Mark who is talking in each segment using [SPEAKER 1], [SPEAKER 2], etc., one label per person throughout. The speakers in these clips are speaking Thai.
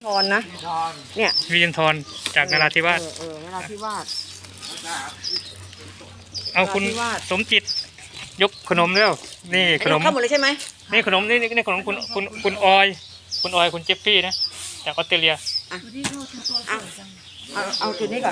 [SPEAKER 1] รนะเนี่ย
[SPEAKER 2] วิริยนทรจากนราธิวาส
[SPEAKER 1] นราธิวาส
[SPEAKER 2] เอาคุณสมจิตยกขนมเร็วนี่ขนม
[SPEAKER 1] เข้าหมดเลยใช่ไหม
[SPEAKER 2] นี่ขนมนี่ขนมคุณออยคุณเจฟฟี่นะจากออสเตรเลีย
[SPEAKER 1] เอาจุดนี้ก่อน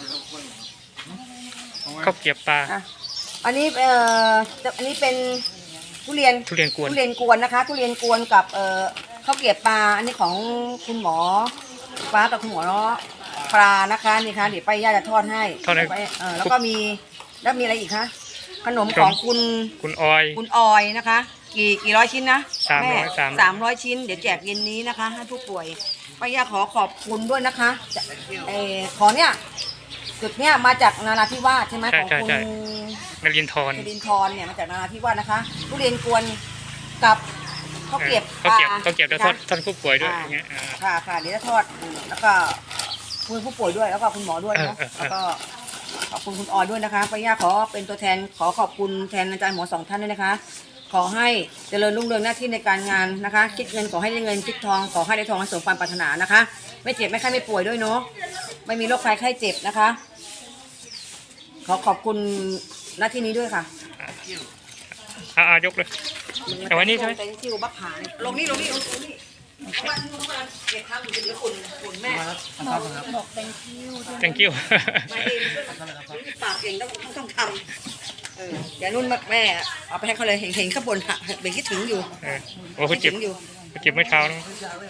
[SPEAKER 2] ข้าวเกรี๊ยวปลา
[SPEAKER 1] อันนี้เป็นทุเรียนกวนนะคะทุเรียนกวนกับข้าวเกรี๊ยวปลาอันนี้ของคุณหมอฟ้ากับคุณหมอปลานะคะนี่ค่ะเดี๋ยวไปย่าจะทอดให้แล้วก็มีอะไรอีกคะขนมของคุณออยนะคะกี่ร้อยชิ้นนะแม่300 ชิ้นเดี๋ยวแจกเย็นนี้นะคะให้ผู้ป่วยป้าย่าขอบคุณด้วยนะคะของเนี่ยจุดเนี้ยมาจากนราธิวาสใช่ไหมของคุณ
[SPEAKER 2] นรินทร
[SPEAKER 1] เนี่ยมาจากนราธิวาสนะคะทุเรียนกวนกับข้าวเกรี๊ยว
[SPEAKER 2] แล้วทอดผู้ป่วยด้วยอย่างเงี้ย
[SPEAKER 1] ค่ะเดี๋ยวจะทอดแล้วก็คุณผู้ป่วยด้วยแล้วก็คุณหมอด้วยเนาะแล้วก็ขอบคุณคุณออยด้วยนะคะป้าย่าขอเป็นตัวแทนขอบคุณแทนอาจารย์หมอ2 ท่านด้วยนะคะขอให้เจริญรุ่งเรืองหน้าที่ในการงานนะคะคิดเงินขอให้ได้เงินคิดทองขอให้ได้ทองสมความปรารถนานะคะไม่เจ็บไม่ไข้ไม่ป่วยด้วยเนาะไม่มีโรคภัยไข้เจ็บนะคะขอบคุณหน้าที่นี้ด้วยค่ะ
[SPEAKER 2] ยกเลยเอาไว้นี่ใช่ไหม
[SPEAKER 1] ที่บักผาลงนี่เก็บข้าวอยู่ที่คุณแม่บอก
[SPEAKER 2] thank you
[SPEAKER 1] มาเองปากเองต้องทำอย่านุ่นแม่เอาไปให้เขาเลยเห็นข้างบนเบ่งคิดถึงอยู่
[SPEAKER 2] โอ้คุณเจ็บไม่เท้านะ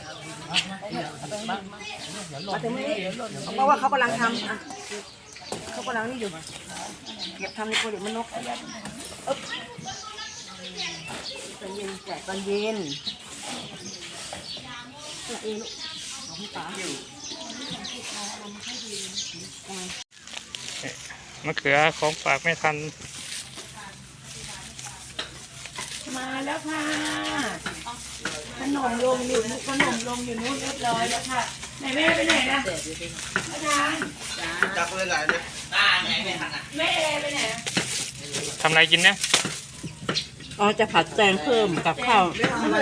[SPEAKER 1] มาถึงนี้เพราะว่าเขากำลังทำเขากำลังนี่อยู่เก็บทำในโคเด็กมันนกตอนเย็นแจกตอนเย็น
[SPEAKER 2] มะเขือของฝากไม่ทัน
[SPEAKER 3] มาแล้วค่ะขนมลงอยู่นู้นเรียบร้อยแล้วค่ะไหนแม่ไปไหนล่ะอาจารย์
[SPEAKER 4] จับเลยหลายเลย
[SPEAKER 3] แม่ไปไหน
[SPEAKER 2] ทำอะไรกินเนี่ย
[SPEAKER 1] จะผัดแตงเพิ่มกับข้าว
[SPEAKER 3] ไม่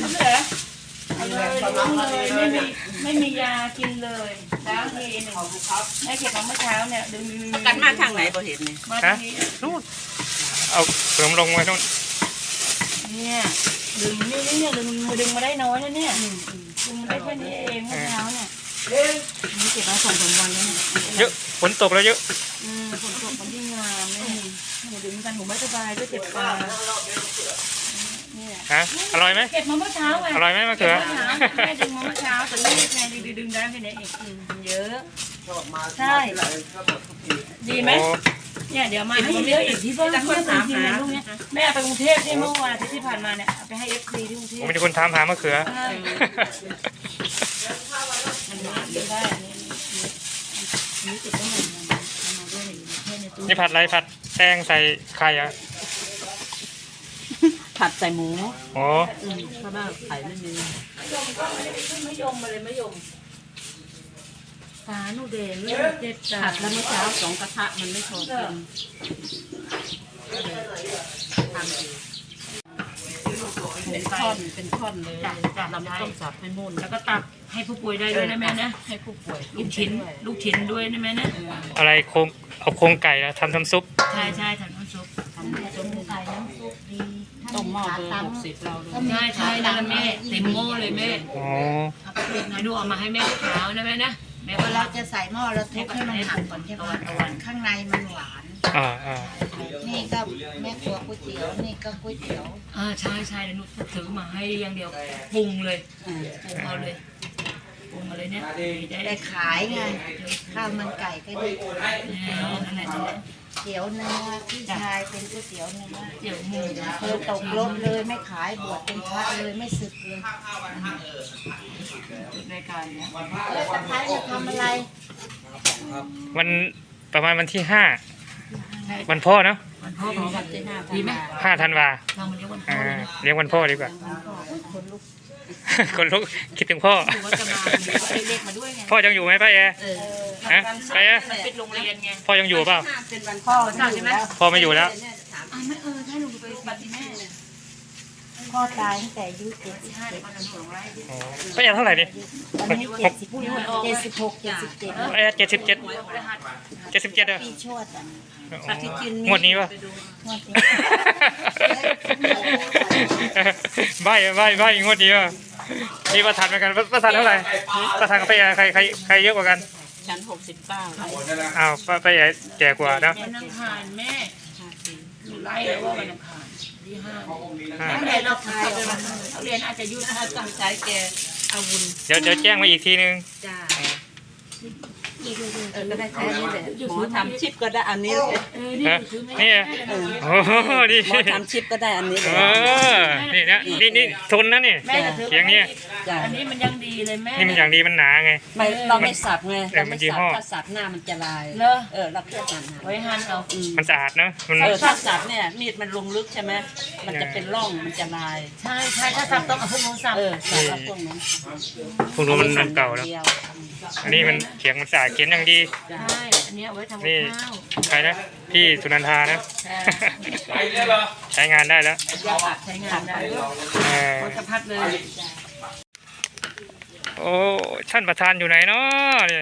[SPEAKER 3] มียากินเลยแล้วทีหนึ่งแม่เก็บมาเมื่อเช้าเนี่ยดึง
[SPEAKER 1] กันมาทางไหนบ่เห็นเนี่ย
[SPEAKER 3] มาทางนี้
[SPEAKER 2] นู่นเอาขนมลงไว้นู่น
[SPEAKER 3] เนี่ยดึงดึงมาได้น้อยนะเนี่ยดึงมาได้แค่นี้เองเมื่อเช้าเนี่ยนี่เก็บมา2-3 วันแล้วเนี่ย
[SPEAKER 2] เยอะฝนตกแล้วเยอะ
[SPEAKER 3] ฝนตกมันยิ่งงามเนี่ยดึงกันผมไม่สบายด้วยเจ็บตา
[SPEAKER 2] อร่อยไหม
[SPEAKER 3] เก็บมาเมื่อเช้าไง
[SPEAKER 2] อร่อยไหมมะเขือ
[SPEAKER 3] แม่ดึงมาเมื่อเช้าแต่รีบไงดึงได้แค่นี้เองเยอะใช่ดีไหมเนี่ยเดี๋ยวมาให้เยอะอีกที่ต้องถามหาลูกเนี่ยแม่ไปกรุงเทพที่เมื่อวานที่ผ่านมาเนี่ยไปให้FCที่กรุงเทพ
[SPEAKER 2] มีคนถามหามะเขือนี่ผัดอะไรผัดแตงใส่ไข่อะ
[SPEAKER 1] ผัดใส่หมู
[SPEAKER 2] อ๋อ
[SPEAKER 1] เพราะว่าไข่ไม่มี
[SPEAKER 3] ไม่ยมมาเลยไม่ยมตาหนูเด่นเจ็บตา
[SPEAKER 1] ผัดแล้วเมื่อเช้า2 กระทะมันไม่พอกินเป็นท่อนเลยเราไม่ต้องสับให้มุ่น
[SPEAKER 3] แล้วก็ตักให้ผู้ป่วยได้ด้วยนะแม่นะให้ผู้ป่วยลูกชิ้นด้วยนะแม่นะ
[SPEAKER 2] อะไรเอาโครงไก่แล้วทำซุป
[SPEAKER 3] ใช่ทำน้ำซุปไก่น้ำซุปดี
[SPEAKER 1] ต้มหม้อเบอร์60เรา
[SPEAKER 3] ใช่นะแม่เต็มหม้อเลยแม่เอาไปไหนดูเอามาให้แม่เช้านะแม่นะแม่
[SPEAKER 5] เราจะใส่หม้อแล้วทุบให้มันหักก่อนใช่ไหมข้างในมันหวานนี่ก็แม่ครัวก๋วยเตี๋ยวนี่ก็ก๋วยเตี๋ยว
[SPEAKER 3] ใช่เดี๋ยวหนูซื้อมาให้อย่างเดียวปรุงเลยปรุงเอาเลยปรุงมาเลยเนี่ย
[SPEAKER 5] ได้ขายไงข้าวมันไก่ก็ดี
[SPEAKER 3] นั่นแหละ
[SPEAKER 5] เตี๋ยวเนื้อพี่ชายเป็นก๋วยเตี๋ยวเนื้อ
[SPEAKER 3] เตี๋ยวหมู
[SPEAKER 5] เคยตกรถเลยไม่ขายบวชเป็นพระเลยไม่สึกเลย
[SPEAKER 3] ในการเนี้ย
[SPEAKER 5] แล้วตะไคร้จะทำอะไร
[SPEAKER 2] วันประมาณวันที่5วันพ่อเนาะ
[SPEAKER 3] วันพ่อของวันที่5ดีไหม
[SPEAKER 2] 5 ธันวา
[SPEAKER 3] เรามาเลี้ยงวันพ่อ
[SPEAKER 2] เลี้ยงวันพ่อดีกว่าคนลุกคิดถึงพ่อพ่อยังอยู่ไหมป้าแอป้าแอ
[SPEAKER 3] เป็นโรงเรียนไง
[SPEAKER 2] พ่อยังอยู่เปล่า
[SPEAKER 1] เป็นวันพ่อ
[SPEAKER 2] ใช่ไหมพ่อไม่อยู่แล้ว
[SPEAKER 3] ไม่ใช่หนูไปปฏิแม่
[SPEAKER 5] พ่อตายตั้งแต่อายุ75
[SPEAKER 2] อ๋อป้าแอร์เท่าไหร่ดิ
[SPEAKER 5] ตอนนี้76 77
[SPEAKER 2] ป้าแอร์77เหรอ
[SPEAKER 5] ปีชวดอ่ะ
[SPEAKER 2] งวดนี้ป่ะ
[SPEAKER 5] งวดนี้
[SPEAKER 2] ใบงวดนี้ป่ะมีประธานเหมือนกันประธานเท่าไหร่ประธานกับป้าแอร์ใครเยอะกว่ากัน
[SPEAKER 3] ชั้น69
[SPEAKER 2] อ้าวป้าแอร์แก่กว่านะ
[SPEAKER 3] วันอังคารแม่ไล่แล้วว่าวันอังคารที่5แม่เราขายเรียนอาจจะยุ่งถ้าตั้งใจแกอาวุธ
[SPEAKER 2] เดี๋ยวแจ้งมาอีกทีนึง
[SPEAKER 3] จ้า
[SPEAKER 1] ก็ได้แค่นี้แหละหมอทำชิปก็ได้อันนี้เลย
[SPEAKER 2] ฮะนี่โอ้โหนี่
[SPEAKER 1] หมอทำชิปก็ได้อันนี้เล
[SPEAKER 2] เอย อนี่นะนี่ทนนะนี่
[SPEAKER 3] แม่จะถือ
[SPEAKER 2] เสียงเนี่ย
[SPEAKER 1] จ้ะ
[SPEAKER 3] อันนี้มันยังดีเลยแม่
[SPEAKER 2] นี่มันอย่างดีมันหนาไง
[SPEAKER 1] ไม่เราไม่สับไง
[SPEAKER 2] เออ
[SPEAKER 1] เรา
[SPEAKER 2] มั
[SPEAKER 1] ไม่
[SPEAKER 2] นยี่
[SPEAKER 1] สั
[SPEAKER 2] ห้
[SPEAKER 1] บ
[SPEAKER 2] อ
[SPEAKER 1] ถ้าสับหน้ามันจะลาย
[SPEAKER 3] เลอะ
[SPEAKER 1] เราแค่หั่น
[SPEAKER 3] ไว้หั่นเอา
[SPEAKER 2] มันสะอาดนะมัน
[SPEAKER 1] ถ้าสับเนี่ยมีดมันลงลึกใช่ไหมมันจะเป็นร่องมันจะลาย
[SPEAKER 3] ใช่ถ้าสับต้องเอาพวกนู้นสับ
[SPEAKER 1] สับเอาพวกนั้น
[SPEAKER 2] พวกนู้นมันเก่าแล้ว
[SPEAKER 1] ดีย
[SPEAKER 2] อันนี้มันเขียงมันสะอาดเขียนอย่างดี
[SPEAKER 3] ใช่อันนี้เอาไว้ทำกับ
[SPEAKER 2] นี่
[SPEAKER 3] ข้าว
[SPEAKER 2] ใครนะพี่สุนันทานะ ใช้งานได้แล้ว
[SPEAKER 3] ใช้งานได้ด้วย
[SPEAKER 2] เออ
[SPEAKER 3] โคตรพัดเลย
[SPEAKER 2] โอ้ท่านประธานอยู่ไหนเนาะนี่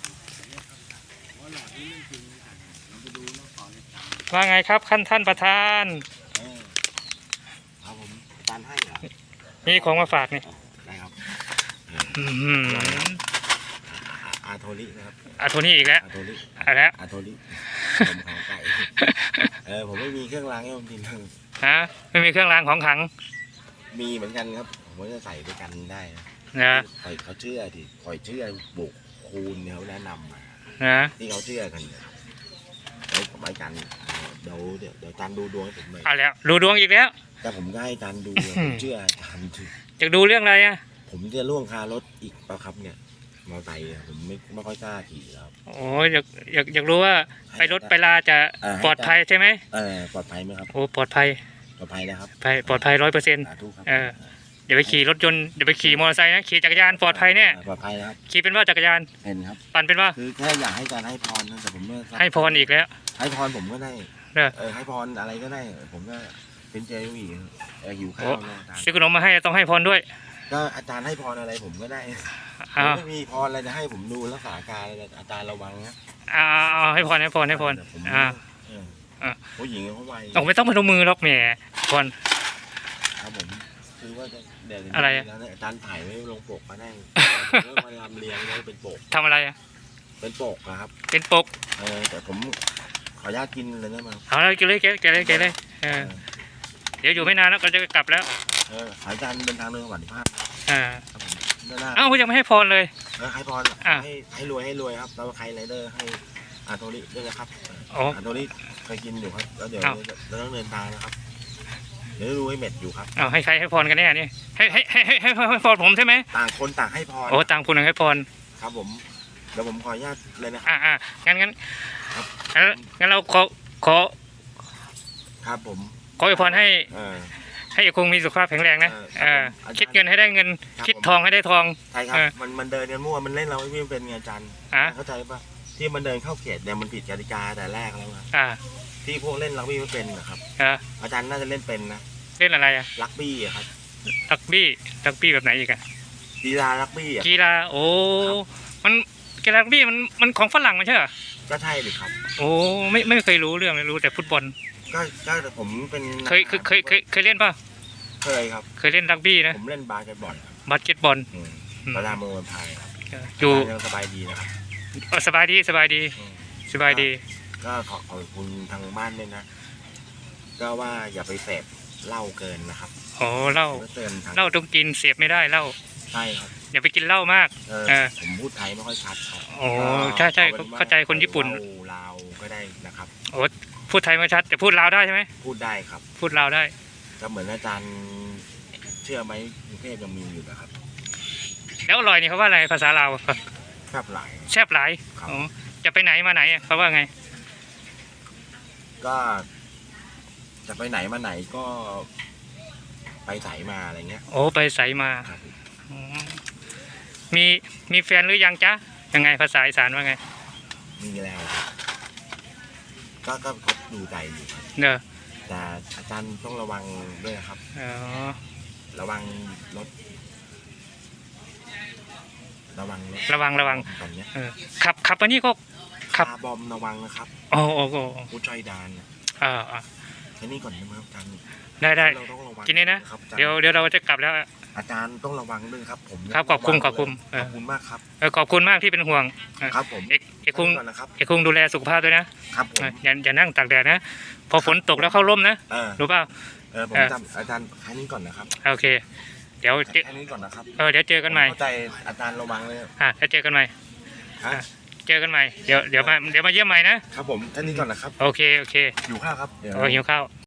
[SPEAKER 2] ว่าไงครับท่านประธาน
[SPEAKER 4] ครับผมตานให้เหรอ
[SPEAKER 2] มีของมาฝากนี่
[SPEAKER 4] ได้ครับ
[SPEAKER 2] อื้อหือ
[SPEAKER 4] อาโทรินะครับ
[SPEAKER 2] อ่ะโทนี่อีกแล้ว
[SPEAKER 4] อาโทริ
[SPEAKER 2] เอะไรแล้ว
[SPEAKER 4] อาโทริผมของไก่ผมไม่มีเครื่องรางให้ผมกิน
[SPEAKER 2] ฮะไม่มีเครื่องรางของขลัง
[SPEAKER 4] มีเหมือนกันครับผมก็จะใส่ด้วยกันได้นะ
[SPEAKER 2] นะ
[SPEAKER 4] คอยเขาเชื่อที่คอยเชื่อบุกคูณเนี่ยเขาแนะนำมา
[SPEAKER 2] นะ
[SPEAKER 4] ที่เขาเชื่อกันเนี่ยแล้วผมให้กันเดี๋ยวจานดูดวงให้ผมหน่อย
[SPEAKER 2] เอาแล้วดูดวงอีกแล้ว
[SPEAKER 4] แต่ผมก็ให้จานดูผมเชื่อจานถือ
[SPEAKER 2] จะดูเรื่องอะไรอ่ะ
[SPEAKER 4] ผมจะล่วงคารถอีกเปล่าครับเนี่ยมอไซค์ผมไม่ค่อยกล้าขี่แล้ว
[SPEAKER 2] โอ้ยอยากรู้ว่าไปรถไปลาจะปลอดภัยใช่ไหม
[SPEAKER 4] ปลอดภัยไหมครับ
[SPEAKER 2] โอ้ปลอดภัย
[SPEAKER 4] ปลอดภัยนะครับ
[SPEAKER 2] ปลอดภัย100%
[SPEAKER 4] สาธุครับ
[SPEAKER 2] อย่าไปขี่รถยนต์อย่าไปขี่มอเตอร์ไซค์นะขี่จักรยานปลอดภัยแน่
[SPEAKER 4] ปลอดภัยนะครับ
[SPEAKER 2] ขี่เป็นว่าจักรยาน
[SPEAKER 4] เห็นครับ
[SPEAKER 2] ปั่นเป็นว่า
[SPEAKER 4] คือแค่อยากให้การให้พรนะแต่ผมไม่
[SPEAKER 2] ให้พรอีกแล้ว
[SPEAKER 4] ให้พรผมก็ได้
[SPEAKER 2] เด้อ
[SPEAKER 4] ให้พรอะไรก็ได้ ผมก็เป็นเจวีหิวข้า
[SPEAKER 2] โอ้
[SPEAKER 4] วนะอาจารย์
[SPEAKER 2] ซื้อขนมมาให้ต้องให้พรด้วย
[SPEAKER 4] ก็อาจารย์ให้พรอะไรผมก็ได้ผ
[SPEAKER 2] เอา
[SPEAKER 4] มไม่มีพรอะไรจะให้ผมดูรักษาการอะไรอาจารย์ระวังนะ
[SPEAKER 2] เอาให้พรแต่ผม
[SPEAKER 4] ผู้หญิงเขาไว
[SPEAKER 2] เอาไม่ต้องพนมมือหรอกแหมพร
[SPEAKER 4] ครับผมคือว่าจะเดี๋ยว
[SPEAKER 2] อะไร
[SPEAKER 4] แล้วอาจารย์ถ่ายไว้ลงปกมาได้เรื่องมาลำเลียงแล้วเป็นปก
[SPEAKER 2] ทำอะไรอ่ะ
[SPEAKER 4] เป็นปกนะครับ
[SPEAKER 2] เป็นปก
[SPEAKER 4] แต่ผมขออนุญาตกินเลยนะมา
[SPEAKER 2] เอาเลยกินเลยแกะเลยเดี๋ยวอยู่ไม่นานแล้วก็จะกลับแล้ว
[SPEAKER 4] อาจารย์เดินทางเรื่องสวัสดิภาพ
[SPEAKER 2] อ่า
[SPEAKER 4] ครับผมด้านหน้า
[SPEAKER 2] เอ้ายังไม่ให้พรเลย
[SPEAKER 4] ให้พร
[SPEAKER 2] อ่ะ
[SPEAKER 4] ให้รวยครับแล้วใครไรเดอร์ให้อาโทริด้วยนะครับ
[SPEAKER 2] โอ้
[SPEAKER 4] อาโทริเคยกินอยู่ครับแล้วเดี๋ยว
[SPEAKER 2] อ้าว
[SPEAKER 4] เราต้องเดินทางนะครับเดี๋ยวดูให้เม็ดอยู่ครับ
[SPEAKER 2] เอาให้ใครให้พรกันแน่นี่ให้พรผมใช่ไหม
[SPEAKER 4] ต่างคนต่างให้พร
[SPEAKER 2] โอ้ต่างคนต่างให้พร
[SPEAKER 4] ครับผมเดี๋ยวผมขออนุญาตเลยนะ
[SPEAKER 2] งั้น
[SPEAKER 4] ครับ
[SPEAKER 2] งั้นเราขอ
[SPEAKER 4] ครับผม
[SPEAKER 2] อวยพรให้
[SPEAKER 4] เออ
[SPEAKER 2] ให้คงมีสุขภาพแข็งแรงนะ
[SPEAKER 4] ครับผม
[SPEAKER 2] คิดเงินให้ได้เงิน
[SPEAKER 4] ครับ
[SPEAKER 2] คิดทองให้ได้ทอง
[SPEAKER 4] ใช่ครับ
[SPEAKER 2] เออ
[SPEAKER 4] มันเดินกันมั่วมันเล่นเราไม่เป็นไงอาจารย์
[SPEAKER 2] อ่ะ
[SPEAKER 4] เข้าใจปะที่มันเดินเข้าเขตเนี่ยมันผิดกติกาแต่แรกแล้วนะ
[SPEAKER 2] อ่า
[SPEAKER 4] ที่พวกเล่นรักบี้ไม่เป็นนะครับ
[SPEAKER 2] อ่า
[SPEAKER 4] อาจารย์น่าจะเล่นเป็นนะ
[SPEAKER 2] เล่นอะไรอ่ะ
[SPEAKER 4] รักบี้อะครับ
[SPEAKER 2] รักบี้แบบไหนอีกอะ
[SPEAKER 4] กีฬารักบี้อะ
[SPEAKER 2] กีฬาโอ้มันกีฬารักบี้มันของฝรั่งไม่ใช่เหรอ
[SPEAKER 4] ก็ใช่เลยครับ
[SPEAKER 2] โอ้ไม่เคยรู้เรื่องเลยรู้แต่ฟุตบอล
[SPEAKER 4] ก็ผมเป็น
[SPEAKER 2] เคยเล่นป่ะ
[SPEAKER 4] เคยครับ
[SPEAKER 2] เคยเล่นรักบี้นะ
[SPEAKER 4] ผมเล่นบาสเกตบอลครับ
[SPEAKER 2] บาสเกตบอล
[SPEAKER 4] ประดามเมืองวันพายครับ
[SPEAKER 2] อยู่
[SPEAKER 4] ยังสบายดีนะครับ
[SPEAKER 2] สบายดี
[SPEAKER 4] อืม
[SPEAKER 2] สบายดี
[SPEAKER 4] ก็ขอบคุณทางบ้านด้วยนะ ก็ว่าอย่าไปเสพเหล้าเกินนะครับ
[SPEAKER 2] โอ้เหล้า
[SPEAKER 4] ก็เตือนทาง
[SPEAKER 2] เหล้าต้องกินเสียบไม่ได้เหล้า
[SPEAKER 4] ใช่ครับ
[SPEAKER 2] อย่าไปกินเหล้ามาก
[SPEAKER 4] ผมพูดไทยไม่ค่อยชัดครับ
[SPEAKER 2] โอ้ใช่
[SPEAKER 4] ก็อป็ว่
[SPEAKER 2] เข้าใจคนญี่ปุ่น
[SPEAKER 4] ลาวก็ได้นะครับ
[SPEAKER 2] โอ้พูดไทยไม่ชัดแต่พูดลาวได้ใช่ไหม
[SPEAKER 4] พูดได้ครับ
[SPEAKER 2] พูดลาวได้
[SPEAKER 4] ก็เหมือนอาจารย์เชื่อไหมกรุงเทพยังมีอยู่นะครับ
[SPEAKER 2] แล้วอร่อยนี่เขาว่าอะไรภาษาลาว
[SPEAKER 4] แซ่บหลาย
[SPEAKER 2] แซ่บหลาย
[SPEAKER 4] ครับ
[SPEAKER 2] อ๋อจะไปไหนมาไหนอะเขาว่าไง
[SPEAKER 4] ก็จะไปไหนมาไหนก็ไปไสมาอะไรเงี้ย
[SPEAKER 2] โอ้ไปใสมา
[SPEAKER 4] ครับ
[SPEAKER 2] อ๋อมีแฟนหรือยังจ๊ะยังไงภาษาอีสานว่าไง
[SPEAKER 4] มีแล้วก็ดูใจอยู่ครับ
[SPEAKER 2] เนอะ
[SPEAKER 4] แต่อาจารย์ต้องระวังด้วยนะครับ
[SPEAKER 2] อ๋อ
[SPEAKER 4] ระวังรถระวังรถ
[SPEAKER 2] ระวัง
[SPEAKER 4] ตอนเนี้ย
[SPEAKER 2] ขับอันนี้ก็ขับ
[SPEAKER 4] คาร์บอมระวังนะครับ
[SPEAKER 2] โอ้
[SPEAKER 4] ผู้ช่วยดานเนี่ย แค่นี้ก่อนได้ไหมครับอาจารย์
[SPEAKER 2] ได้
[SPEAKER 4] เราต้องระวัง
[SPEAKER 2] ทีนี้นะ
[SPEAKER 4] ครับอาจารย์
[SPEAKER 2] เดี๋ยวเราจะกลับแล้ว
[SPEAKER 4] อาจารย์ต้องระวังด้วยครับผม
[SPEAKER 2] ครับขอบคุณ
[SPEAKER 4] ขอบคุณมากครับ
[SPEAKER 2] ขอบคุณมากที่เป็นห่วง
[SPEAKER 4] ครับผม
[SPEAKER 2] เอกคุง
[SPEAKER 4] ก่อนนะครับ
[SPEAKER 2] เอกคุงดูแลสุขภาพด้วยนะครับ
[SPEAKER 4] ผม
[SPEAKER 2] อย่านั่งตากแดดนะพอฝนตกแล้วเข้าร่มนะ รู้เปล่า
[SPEAKER 4] ผมจำอาจารย์แค่นี้ก่อนนะครับ
[SPEAKER 2] โอเค เดี๋ยว
[SPEAKER 4] แค่นี้ก่อนนะครับ
[SPEAKER 2] เดี๋ยวเจอกันใหม่
[SPEAKER 4] เข้าใจอาจารย์ระวังเลย
[SPEAKER 2] แล้วเจอกันใหม่
[SPEAKER 4] ฮะ
[SPEAKER 2] เจอกันใหม่เดี๋ยวมาเยี่ยมใหม่นะครับ
[SPEAKER 4] ผมแค่นี้ก่อนนะครับ
[SPEAKER 2] โอเค
[SPEAKER 4] อยู่ข้าวครับเดี๋ยว
[SPEAKER 2] หิวข้าว